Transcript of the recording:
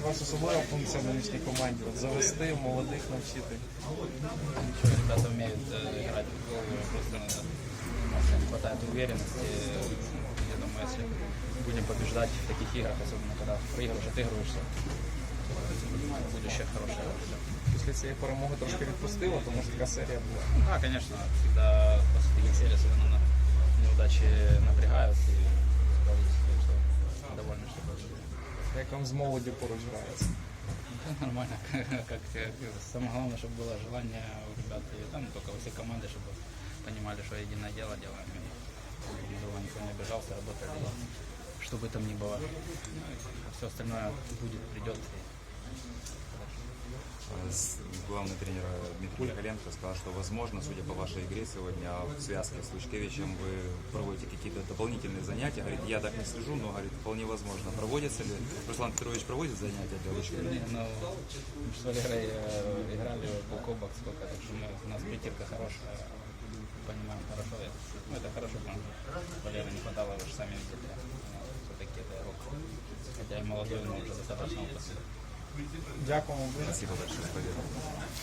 вас особлива функція в нинішній команді? От завести, молодих навчити? Ребята умеют играть в футбол, просто надо, не хватает уверенности. Я думаю, если будем побеждать в таких играх, особенно когда проигрываешь, отыгрываешься, будущее хорошее. Після цієї перемоги трошки відпустило, тому що така серія була. Да, конечно, всегда после таких серий особенно неудачи напрягают и довольно, что Як вам з молоді поруч грається? нормально. Как самое главное, чтобы было желание у ребят, и там только во всей команды, чтобы понимали, что единое дело делаем, и чтобы никто не обижался, работали, что бы там ни было. Все остальное будет, придет. Главный тренер Дмитрий Михаленко сказал, что возможно, судя по вашей игре сегодня в связке с Лучкевичем, вы проводите какие-то дополнительные занятия. Говорит, я так не слежу, но говорит, вполне возможно. Проводится ли? Руслан Петрович проводит занятия для Лучкевича? Ну, мы с Валерой играли в полкобок сколько, так что у нас притирка хорошая, понимаем хорошо. Ну, это хорошо, потому что Валеры не хватало, вы же сами видели. Все-таки это игрок. Хотя и молодой, но уже достаточно опытный. Дякуємо дуже. Спасибо большое.